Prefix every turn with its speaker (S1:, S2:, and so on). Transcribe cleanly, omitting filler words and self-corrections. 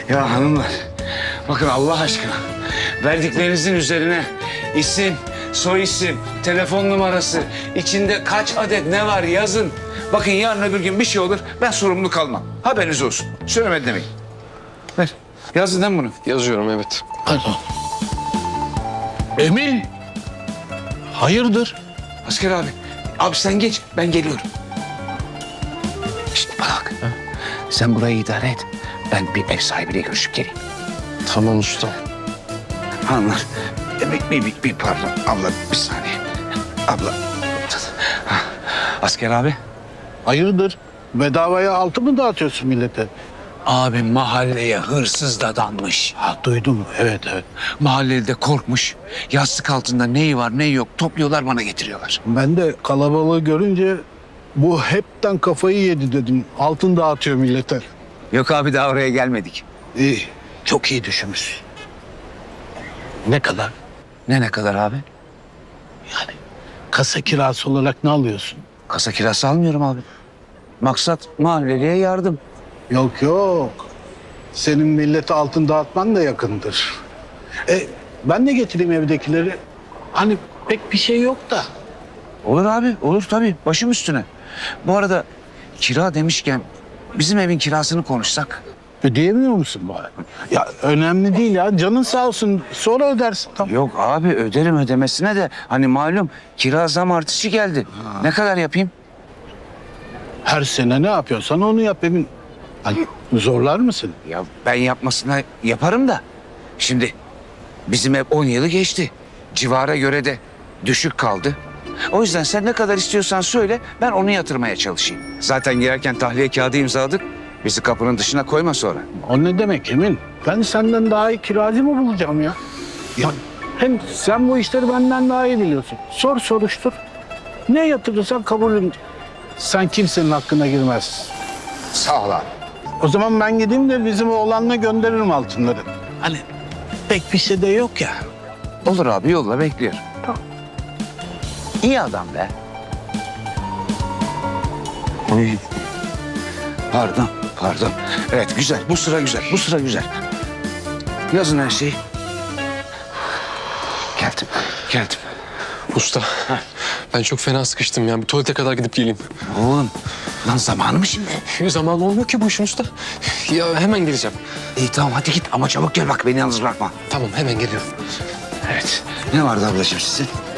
S1: Ya hanımlar, bakın Allah aşkına verdiklerinizin üzerine isim, soy isim, telefon numarası, içinde kaç adet ne var yazın. Bakın yarın öbür gün bir şey olur, ben sorumlu kalmam. Haberiniz olsun. Söylemedi demeyin. Ver. Yazdın değil mi bunu?
S2: Yazıyorum, evet.
S3: Pardon. Emin. Hayırdır?
S1: Asker abi. Abi sen geç, ben geliyorum. Şişt bana bak. Sen burayı idare et. Ben bir ev sahibiyle görüşüp geleyim.
S2: Tamam usta.
S1: Hanımlar, bir pardon. Abla bir saniye. Abla. Ha, Asker abi.
S3: Hayırdır? Bedavaya altı mı dağıtıyorsun millete?
S1: Abi mahalleye hırsız dadanmış.
S3: Ha duydum. Evet.
S1: Mahallede korkmuş. Yastık altında neyi var neyi yok topluyorlar bana getiriyorlar.
S3: Ben de kalabalığı görünce bu hepten kafayı yedi dedim. Altın dağıtıyor millete.
S1: Yok abi daha oraya gelmedik.
S3: İyi. Çok iyi düşünmüş. Ne kadar?
S1: Ne kadar abi?
S3: Yani kasa kirası olarak ne alıyorsun?
S1: Kasa kirası almıyorum abi. Maksat mahalleliye yardım.
S3: Yok. Senin millete altın dağıtman da yakındır. Ben de getireyim evdekileri. Hani pek bir şey yok da.
S1: Olur abi olur tabii başım üstüne. Bu arada kira demişken bizim evin kirasını konuşsak.
S3: Ödeyemiyor musun bari? Ya önemli değil ya. Canın sağ olsun. Sonra ödersin. Tamam.
S1: Yok abi öderim ödemesine de hani malum kira zam artışı geldi. Ne kadar yapayım?
S3: Her sene ne yapıyorsan onu yap Emin. Hani zorlar mısın?
S1: Ya ben yapmasına yaparım da. Şimdi bizim ev 10 yılı geçti. Civara göre de düşük kaldı. O yüzden sen ne kadar istiyorsan söyle ben onu yatırmaya çalışayım. Zaten girerken tahliye kağıdı imzaladık. Bizi kapının dışına koyma sonra.
S3: O ne demek Emin? Ben senden daha iyi kiracı mı bulacağım ya? Ya hem sen bu işleri benden daha iyi biliyorsun. Sor soruştur. Ne yatırırsan kabulüm. Sen kimsenin hakkına girmezsin.
S1: Sağ ol abi.
S3: O zaman ben gideyim de bizim oğlanla gönderirim altınları. Hani pek bir şey de yok ya.
S1: Olur abi yolla bekliyorum.
S3: Tamam.
S1: İyi adam be. Oy. Pardon. Evet güzel. Bu sıra güzel. Yazın her şeyi. Geldim.
S2: Usta, ben çok fena sıkıştım ya. Bir tuvalete kadar gidip geleyim.
S1: Oğlum lan zamanı mı şimdi?
S2: Zaman olmuyor ki bu işin usta. Ya hemen geleceğim.
S1: İyi tamam hadi git ama çabuk gel bak beni yalnız bırakma.
S2: Tamam, hemen geliyorum.
S1: Evet. Ne vardı ablacığım sizin?